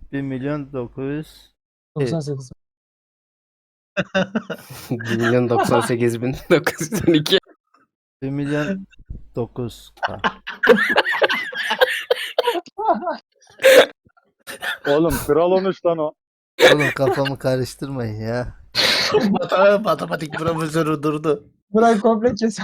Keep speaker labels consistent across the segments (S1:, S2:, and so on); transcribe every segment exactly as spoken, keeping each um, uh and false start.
S1: bir milyon dokuz yüz
S2: doksan sekiz.
S3: bir milyon doksan sekiz bin dokuz yüz on iki.
S1: bir milyon dokuz K.
S4: Oğlum kral olmuş lan o.
S1: Oğlum kafamı karıştırmayın ya.
S5: Matematik, matematik profesörü durdu.
S2: Burayı komple kes.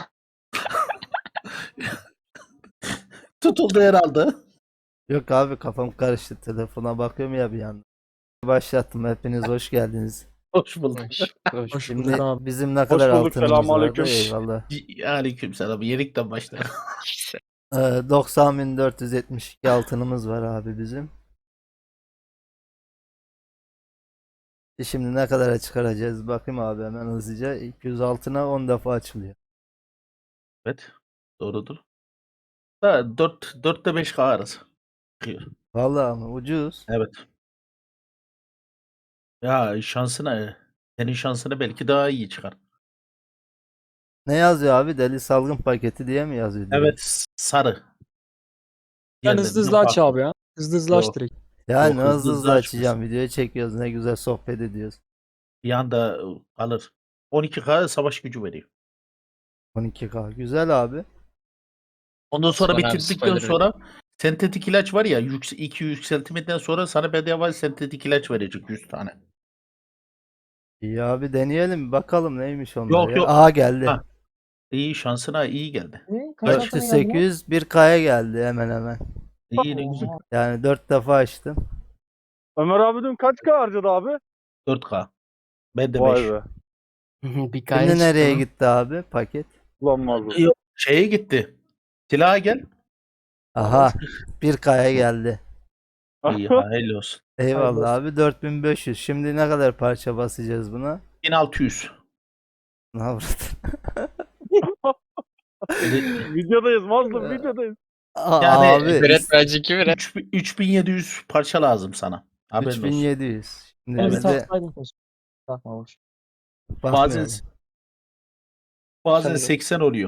S5: Tutuldu herhalde.
S1: Yok abi kafam karıştı. Telefona bakıyorum ya bir yandan. Başlattım. Hepiniz hoş geldiniz.
S5: Hoş bulduk.
S3: Hoş.
S2: Hoş
S1: Şimdi
S2: bulduk abi.
S1: bizim ne kadar
S4: bulduk,
S1: altınımız vardı?
S4: selamünaleyküm.
S1: Eyvallah.
S5: Aleyküm selam. Yenikten başla.
S1: Ee, doksan bin dört yüz yetmiş iki altınımız var abi bizim. E Şimdi ne kadara çıkaracağız? Bakayım abi hemen hızlıca. iki yüz altına on defa açılıyor.
S5: Evet. Doğrudur. Da dört dörtte beş K arası. Çıkıyor.
S1: Vallahi ama ucuz.
S5: Evet. Ya şansına senin şansına belki daha iyi çıkar.
S1: Ne yazıyor abi? Deli salgın paketi diye mi yazıyor? direkt?
S5: Evet, sarı.
S2: Ben hızlı hızlı
S5: Diğerlerinden
S2: aç
S5: farklı.
S2: abi ya. Hızlı hızlı aç
S5: Yok.
S2: direkt.
S1: Yani
S5: Yok, hızlı
S1: hızlı hızlı
S5: hızlı
S1: açacağım. Videoyu çekiyoruz. Ne güzel sohbet ediyoruz.
S5: Bir anda alır. on iki K savaş gücü veriyor.
S1: on iki K. Güzel abi.
S5: Ondan sonra
S3: Osman abi
S5: bitirdikten
S3: spoiler
S5: sonra sentetik ilaç var ya yüks iki yükseltiminden sonra sana bedava sentetik ilaç verecek yüz tane.
S1: İyi abi deneyelim. Bakalım neymiş onlar
S5: Yok,
S1: ya.
S5: yok.
S1: Aha geldi.
S5: Ha. İyi şansına iyi geldi.
S2: Ne? Kaç
S5: Evet.
S2: altına
S1: dört yüz
S2: geldi lan?
S1: sekiz yüz bir K'ya geldi hemen hemen.
S5: İyi ne güzel.
S2: Oha.
S1: Yani dört defa açtım.
S4: Ömer abi dün kaç K harcadı abi?
S5: dört K. Ben de
S4: Vay
S5: beş.
S4: be.
S3: Bir kaya
S1: Şimdi nereye
S3: çıktı mı?
S1: gitti abi paket?
S4: Ulan mazlum.
S5: Yok, şeye gitti. Silaha gel.
S1: Aha bir K'ya geldi.
S5: İyi hayırlı olsun.
S1: Eyvallah abi dört bin beş yüz. Şimdi ne kadar parça basacağız buna?
S5: bin altı yüz.
S1: Ne yapardın?
S4: Videodayız mazlum videodayız.
S1: Aa,
S5: Yani
S1: abi
S3: Biret bence iki biret.
S5: üç bin- üç bin yedi yüz parça lazım sana. Haberin olsun.
S1: üç bin yedi yüz. Şimdi
S2: Beni bir
S1: biz de
S2: taksaydın keşke. Takma boş.
S5: Bazen
S1: bakmayalım.
S5: bazen
S2: Şöyle.
S5: seksen oluyor.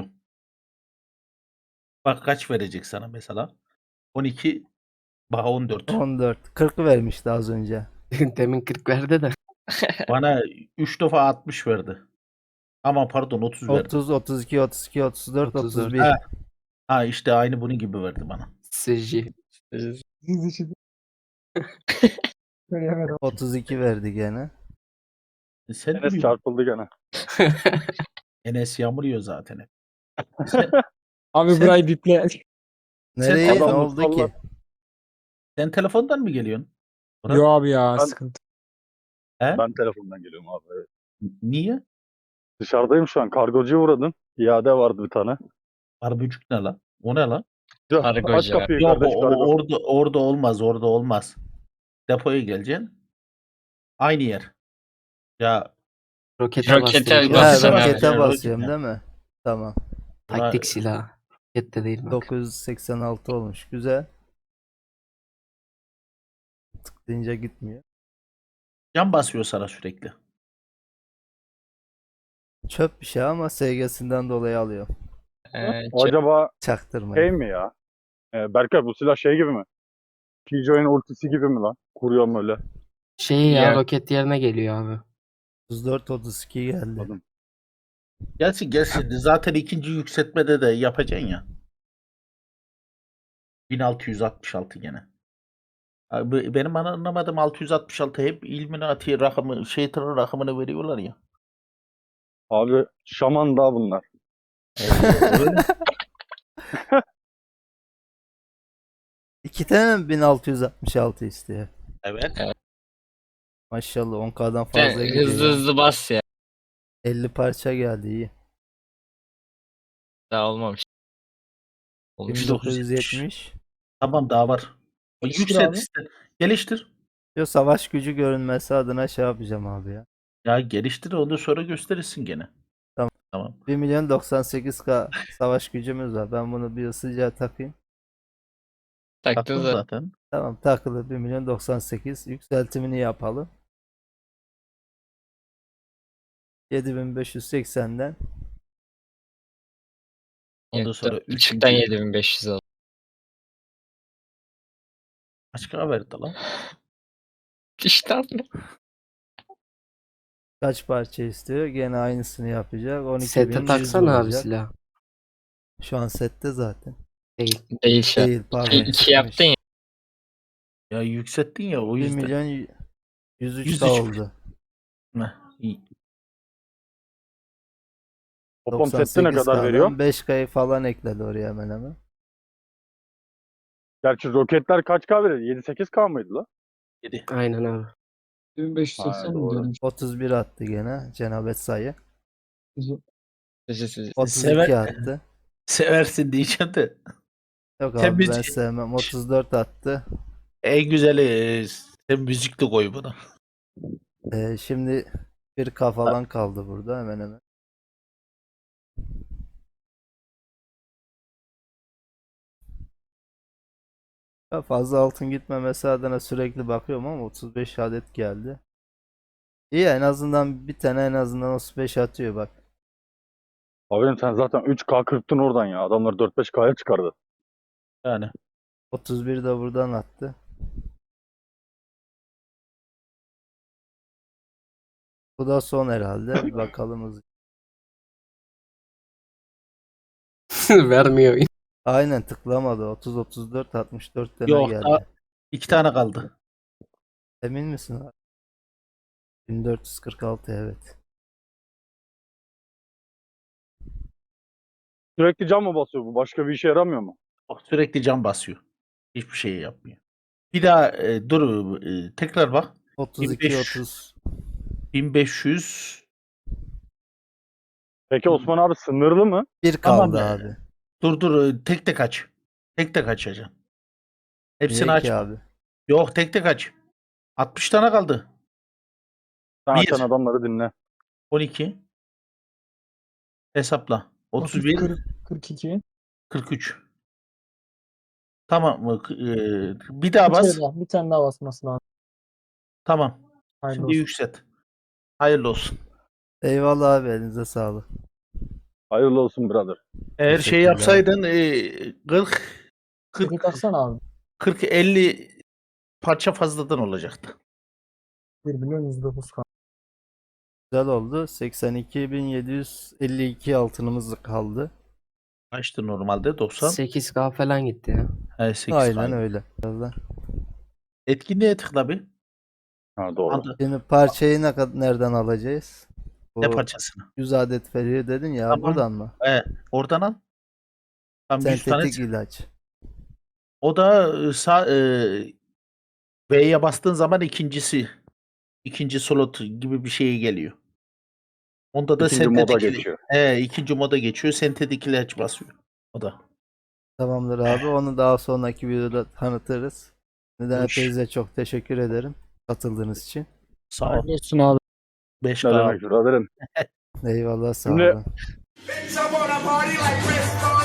S5: Bak kaç verecek sana mesela? on iki bak on dört.
S1: on dört. kırk vermişti az önce.
S3: Demin kırk verdi de.
S5: Bana üç defa altmış verdi. Ama pardon otuz verdi.
S1: otuz, otuz iki, otuz iki, otuz dört,
S3: otuz dört.
S1: otuz bir.
S5: Ha. Ha işte aynı bunun gibi verdi bana.
S3: Seci.
S2: Siz için. Söyleyemedim.
S1: otuz iki verdi gene.
S5: E Sen de
S4: Enes
S5: mi-
S4: çarpıldı gene.
S5: Enes yağmur yiyor zaten hep. Sen,
S2: Abi
S5: Sen-
S2: burayı biple.
S1: Nereye ne
S4: adamı
S1: oldu
S4: salla.
S1: ki?
S5: sen telefondan mı geliyorsun? Murat?
S2: Yo abi ya
S4: Ben-
S2: sıkıntı.
S5: He?
S4: Ben telefondan geliyorum abi. Evet.
S5: Niye?
S4: Dışarıdayım şu an. Kargocuya uğradım. İade vardı bir tane.
S5: Arbücük ne lan? O ne lan?
S4: Aç
S3: Kargocu.
S4: kapıyı
S5: Yok
S4: kardeş
S5: o,
S4: kargo.
S5: o- orada orada olmaz, orada olmaz. Depoya geleceksin. Aynı yer. Ya
S3: Rokete
S6: Rokete
S3: bastım.
S6: bas-
S1: Ha,
S6: Basın abi.
S1: rokete
S5: Ya,
S1: basıyorum
S5: roket
S1: değil mi? Tamam.
S3: Taktik silah. Rokette değil bak.
S1: dokuz yüz seksen altı olmuş. Güzel. Tıklayınca gitmiyor.
S5: can basıyor sana sürekli.
S1: Çöp bir şey ama S G'sinden dolayı alıyor.
S6: Ee,
S4: O acaba
S1: Çaktırmayın.
S4: şey mi ya? Ee, Berkay bu silah şey gibi mi? Killjoy'un ultisi gibi mi lan? Kuruyorum öyle.
S3: Şey ya
S6: Ya.
S3: roket yerine geliyor abi.
S1: otuz dört, otuz iki geldi.
S4: Anladım.
S5: Gelsin gelsin. Zaten ikinci yükseltmede de yapacaksın ya. bin altı yüz altmış altı gene. Abi, benim anlamadığım altı yüz altmış altı hep Illuminati rakamı, şeytanın rakamını veriyorlar ya.
S4: Abi şaman daha bunlar.
S5: Öyle.
S1: İki tane mi bin altı yüz altmış altı istiyor?
S5: Evet.
S1: Maşallah on K'dan
S6: sen
S1: fazla gidiyor.
S6: hızlı
S1: ya.
S6: hızlı bas ya.
S1: elli parça geldi iyi.
S6: Daha olmamış. Olmuş.
S1: bin dokuz yüz yetmiş.
S5: Tamam daha var.
S2: Geliştir
S5: Yükselt
S2: abi.
S5: işte. Geliştir.
S1: Yo savaş gücü görünmesi adına şey yapacağım abi ya.
S5: Ya geliştir ondan sonra gösterirsin gene.
S1: Tamam.
S5: Tamam.
S1: bir milyon doksan sekiz K savaş gücümüz var. Ben bunu bir ısıca takayım.
S6: Taktın
S5: Taktın
S6: zaten.
S5: zaten.
S1: Tamam takılı bir milyon doksan sekiz. Yükseltimini yapalım. yedi bin beş yüz seksenden
S5: Ondan sonra
S6: Yok,
S5: üç
S6: Açıktan
S5: bin-
S6: yedi bin beş yüz oldu.
S5: Kaç K verdi lan?
S6: İşte abi.
S1: Kaç parça istiyor? Gene aynısını yapacak. on iki bin
S3: Sete
S1: yüz
S3: taksana abi
S1: olacak.
S3: silah.
S1: Şu an sette zaten.
S3: Değil.
S6: Değil şey.
S1: Değil pardon.
S6: İki, iki
S1: çıkmış.
S6: yaptın ya.
S5: Ya yükselttin ya o
S1: bir
S5: yüzden.
S1: milyon yüz üç
S5: yüz
S1: K
S5: üç.
S1: oldu.
S5: Heh, iyi.
S4: Toplam sette ne
S1: doksan sekiz
S4: kadar
S1: K'dan
S4: veriyor?
S1: beş K'yı falan ekledi oraya hemen hemen.
S4: Gerçi roketler kaç K veriyor? yedi sekiz K mıydı la?
S5: Yedi.
S3: Aynen abi.
S2: bin beş yüz
S4: Ha,
S2: seksen
S4: doğru.
S2: mi diyorum?
S1: otuz bir attı gene cenabet sayı.
S6: Sizi- sizi-
S1: otuz iki
S5: Sever-
S1: attı.
S5: Seversin diyeceğim de.
S1: Yok
S5: Sen
S1: abi ben
S5: müzik-
S1: sevmem. otuz dört attı.
S5: En güzeli e, sen müzikli koy buna.
S1: Ee, şimdi bir K falan kaldı burada hemen hemen. Ya fazla altın gitmemesi adına sürekli bakıyorum ama otuz beş adet geldi. İyi en azından bir tane en azından otuz beş atıyor bak.
S4: Abim sen zaten üç K kırptın oradan ya. Adamlar dört beş K'ya çıkardı.
S5: Yani.
S1: otuz bir de buradan attı. Bu da son herhalde. Bir bakalım hızlı.
S3: Vermiyor.
S1: Aynen tıklamadı. otuz otuz dört altmış dört tane
S5: Yok,
S1: geldi.
S5: daha iki tane kaldı.
S1: Emin misin abi? bin dört yüz kırk altı evet.
S4: Sürekli cam mı basıyor bu? Başka bir işe yaramıyor mu?
S5: Bak, sürekli cam basıyor. Hiçbir şey yapmıyor. Bir daha e, dur e, tekrar bak.
S1: otuz iki
S5: bin beş yüz.
S1: otuz
S5: bin beş yüz.
S4: Peki Osman abi sınırlı mı?
S1: bir
S5: Tamam
S1: kaldı
S5: be.
S1: abi.
S5: Dur dur e, tek tek aç. Tek tek açacaksın. Hepsini
S1: Niye ki
S5: açma.
S1: abi?
S5: Yok tek tek aç. altmış tane kaldı.
S4: Sen
S5: Bir.
S4: açan adamları dinle.
S5: on iki. Hesapla. otuz bir.
S2: kırk, kırk iki.
S5: kırk üç. Tamam mı? E, bir daha
S2: Bir,
S5: bas.
S2: kere daha, bir tane daha basması lazım.
S5: Tamam.
S2: Hayırlı
S5: Şimdi
S2: olsun.
S5: yükselt. Hayırlı olsun.
S1: Eyvallah abi elinize sağlık.
S4: Hayırlı olsun brother.
S5: Eğer şey
S1: Teşekkürler.
S5: yapsaydın e, kırk
S2: Peki
S5: kırk
S2: taksana abi.
S5: kırk elli parça fazladan olacaktı.
S2: bir milyon yüz dokuz K.
S1: Güzel oldu. seksen iki bin yedi yüz elli iki altınımız kaldı.
S5: Kaçtı normalde? doksan.
S3: sekiz K falan gitti ya.
S5: He, sekiz
S1: Aynen
S5: tane.
S1: öyle. Birazdan.
S5: Etkinliğe tıkla bir.
S4: Ha doğru.
S5: Anda-
S1: Şimdi parçayı ne kadar nereden alacağız?
S5: Ne
S1: Bu
S5: parçasını?
S1: yüz adet veriyor dedin ya
S5: Tamam.
S1: buradan mı?
S5: He, oradan al. Tam yüz tane.
S1: Sentetik ilaç.
S5: O da e, sağ e, V'ye bastığın zaman ikincisi ikinci slot gibi bir şeye geliyor. Onda da
S4: İkinci moda
S5: sentetik
S4: geçiyor.
S5: He, ikinci moda geçiyor. Sentetik ilaç basıyor. O da.
S1: Tamamdır abi. Onu daha sonraki videoda tanıtırız. Neden
S5: Hoş.
S1: hepinize çok teşekkür ederim katıldığınız için.
S5: Sağ ol.
S2: Hayırlı olsun abi.
S5: beş
S4: Ne
S5: K.
S4: demek brother'im?
S1: Eyvallah sağ
S4: Şimdi-
S1: olun.
S7: Bitch, I wanna party like Chris